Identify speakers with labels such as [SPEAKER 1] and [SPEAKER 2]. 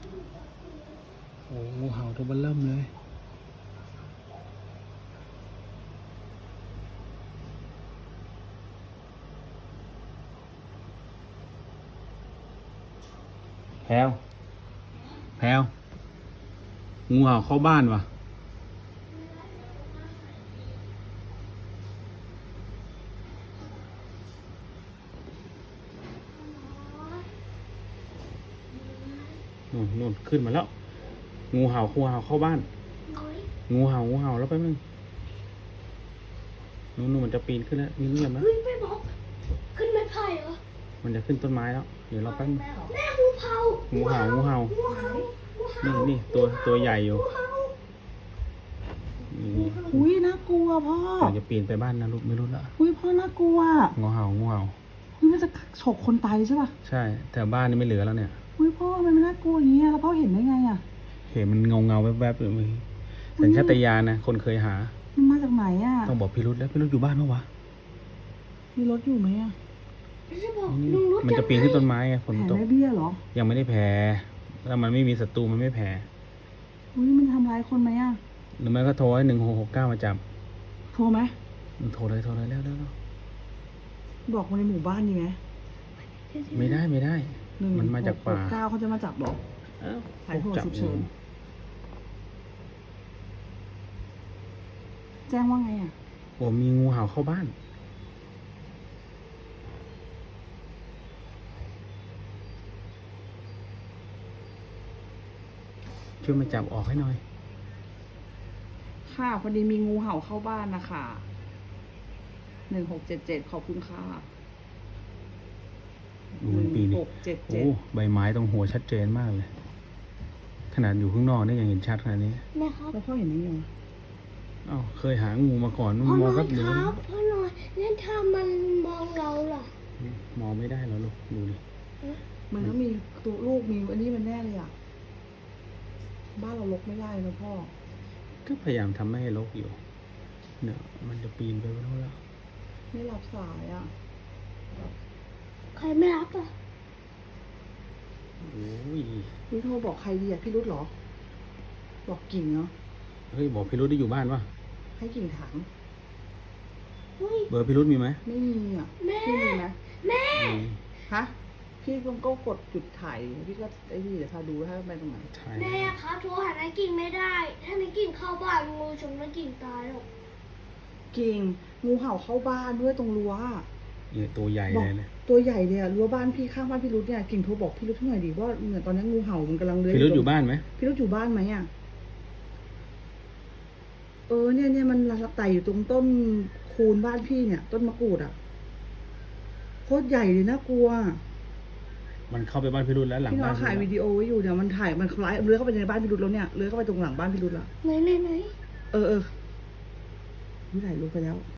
[SPEAKER 1] โอ้งูเห่าตัวเบิ่มเริ่มเลยแพลวแพลวงูเห่าเข้าบ้านวะนู่นขึ้นมาแล้วงูเห่าเข้าบ้านงูเห่าแล้วแป๊บนึงนู่นมันจะปีนขึ้นแล้วนี่เงียบนะ
[SPEAKER 2] เฮ้ยไม่บอกขึ้นไม้ไผ่เหรอ
[SPEAKER 1] มันจะขึ้นต้นไม้แล้วเดี๋ยวเราแป๊บนึง
[SPEAKER 2] แม่งูเห่า
[SPEAKER 1] งูเห่า
[SPEAKER 2] งูเห่า
[SPEAKER 1] นี่ตัวใหญ่อยู่นี่
[SPEAKER 3] อุ้ยน่ากลัวพ่อ
[SPEAKER 1] เราจะปีนไปบ้านนะลูกไม่รู้ละ
[SPEAKER 3] อุ้ยพ่อน่ากลัว
[SPEAKER 1] งูเห่า
[SPEAKER 3] อุ้ยมันจะฉกคนตายใช่ป่ะ
[SPEAKER 1] ใช่แต่บ้านนี่ไม่เหลือแล้วเนี่ย
[SPEAKER 3] อุ้ยพ่อมันน่ากลัวอย่างเงี้ยแล้วพ่อเห็นได้ไงอ่ะ
[SPEAKER 1] เห็นมันเงาแวบๆอยู่มือสัญชาตญาณนะคนเคยหา
[SPEAKER 3] มันมาจากไหนอ่ะ
[SPEAKER 1] ต้องบอกพี่รุธแล้วพี่รุธอยู่บ้านเมื่อวะ
[SPEAKER 3] มีรถอยู่ไหมอ่ะ
[SPEAKER 2] ไม่ใช่บอก
[SPEAKER 1] นี่
[SPEAKER 2] ลุงรู้
[SPEAKER 1] มันจะปีนขึ้นต้นไม้ไงฝน
[SPEAKER 3] แผล
[SPEAKER 1] ตก
[SPEAKER 3] แม่เบี้ยเหรอ
[SPEAKER 1] ยังไม่ได้แผลแล้วมันไม่มีศัตรูมันไม่แผล
[SPEAKER 3] อุ้ยมันทำร้ายคนไหมอ่ะ
[SPEAKER 1] หรือไม่ก็โทรให้1669มาจับ
[SPEAKER 3] โทรไหม
[SPEAKER 1] โทรเลยแล้ว
[SPEAKER 3] บอกคนในหมู่บ้านดีไหม
[SPEAKER 1] ไม่ได้ มันมาจากป่า
[SPEAKER 3] 9เขาจะมาจับบอก
[SPEAKER 1] อ้าว
[SPEAKER 3] สายโทรฉุกเฉินแจ้งว่าไงอ่ะ
[SPEAKER 1] โอ้มีงูเห่าเข้าบ้านช่วยมาจับออกให้หน่อย
[SPEAKER 3] ค่ะพอดีมีงูเห่าเข้าบ้านนะคะ1677ขอบคุณค่ะ
[SPEAKER 1] ดูมันปีนี่โอ้
[SPEAKER 3] 1677
[SPEAKER 1] ใบไม้ตรงหัวชัดเจนมากเลย ขนาดอยู่ข้างนอกนี่ยังเห็นชัดขนาดนี้
[SPEAKER 2] แม่ครับ
[SPEAKER 3] แล้วพ่อเห็นได้ไงวะ
[SPEAKER 1] อ้าวเคยหางูมาก่อนมัน
[SPEAKER 2] พ่อ
[SPEAKER 1] ม
[SPEAKER 2] ห
[SPEAKER 1] อง
[SPEAKER 2] น่
[SPEAKER 1] ก็
[SPEAKER 2] อย
[SPEAKER 1] เดี๋ยว
[SPEAKER 2] ครับพ่อหน่อยงั้นถ้ามันมองเราล่ะ
[SPEAKER 1] มองไม่ได้แล้วลูกดูดิ
[SPEAKER 3] มันก็มีตัวลูกมีอันนี้มันแน่เลยอ่ะ บ้านเราลกไม่ได้นะพ่อ
[SPEAKER 1] ก็พยายามทำไม่ให้รกอยู่เนี่ยมันจะปีนไปแล้วแล้ว
[SPEAKER 3] ไม่รับสายอ่ะ
[SPEAKER 2] ใครไม่รับอ่ะ
[SPEAKER 1] โอ้ย
[SPEAKER 3] พี่โทรบอกใครดีอ่ะพี่รุธเหรอ บอกกิ่งเนาะ
[SPEAKER 1] เฮ้ยบอกพี่รุธได้อยู่บ้านปะ
[SPEAKER 3] ให้กิ่งถาม
[SPEAKER 2] เฮ้ย
[SPEAKER 1] เบอร์พี่รุธมีไหม
[SPEAKER 3] ไม่มีอ่ะ
[SPEAKER 2] แม่
[SPEAKER 3] พี่มีไหม
[SPEAKER 2] แม่
[SPEAKER 1] มี
[SPEAKER 3] ฮะพี่ก็กดจุดถ่ายพี่ก็ไอ้นี่เดี๋ยวพาดูถ้าไปตรงไหน
[SPEAKER 1] ใช่
[SPEAKER 2] แม่ครับโทรหานายกิ่งไม่ได้ ถ้านายกิ่งเข้าบ้านงูชนนายกิ่งตายหรอก
[SPEAKER 3] กิ่งงูเห่าเข้าบ้านด้วยตรงรั้วอะ
[SPEAKER 1] เนี่ยตัวใหญ่
[SPEAKER 3] บอก
[SPEAKER 1] เลยเนี่ย
[SPEAKER 3] ตัวใหญ่เนี่ยรั้วบ้านพี่ข้างบ้านพี่รุธเนี่ยกิ่งโทรบอกพี่รุธหน่อยดิว่าเหมือนตอนนี้งูเห่ามันกำลังเลื้อย
[SPEAKER 1] พี่รุธอยู่
[SPEAKER 3] ตง
[SPEAKER 1] บ้านไหม
[SPEAKER 3] พี่รุธอยู่บ้านไหมอ่ะเนี่ยมันไต่อยู่ตรงต้นคูนบ้านพี่เนี่ย ต้นมะกรูดอ่ะโคตรใหญ่เลยน่ากลัว
[SPEAKER 1] มันเข้าไปบ้านพี่รุธแล้วหลัง
[SPEAKER 3] พี่น้อ
[SPEAKER 1] บ้าง น
[SPEAKER 3] ถ่ายวิดีโอไว้อยู่เนี่ยมันถ่ายมันคล้ายเลื้อยเข้าไปในบ้านพี่รุธแล้วเนี่ยเลื้อยเข้าไปตรงหลังบ้านพี่รุธละ
[SPEAKER 2] ไหน
[SPEAKER 3] ไม่ถ่ายรูปไปแล้ว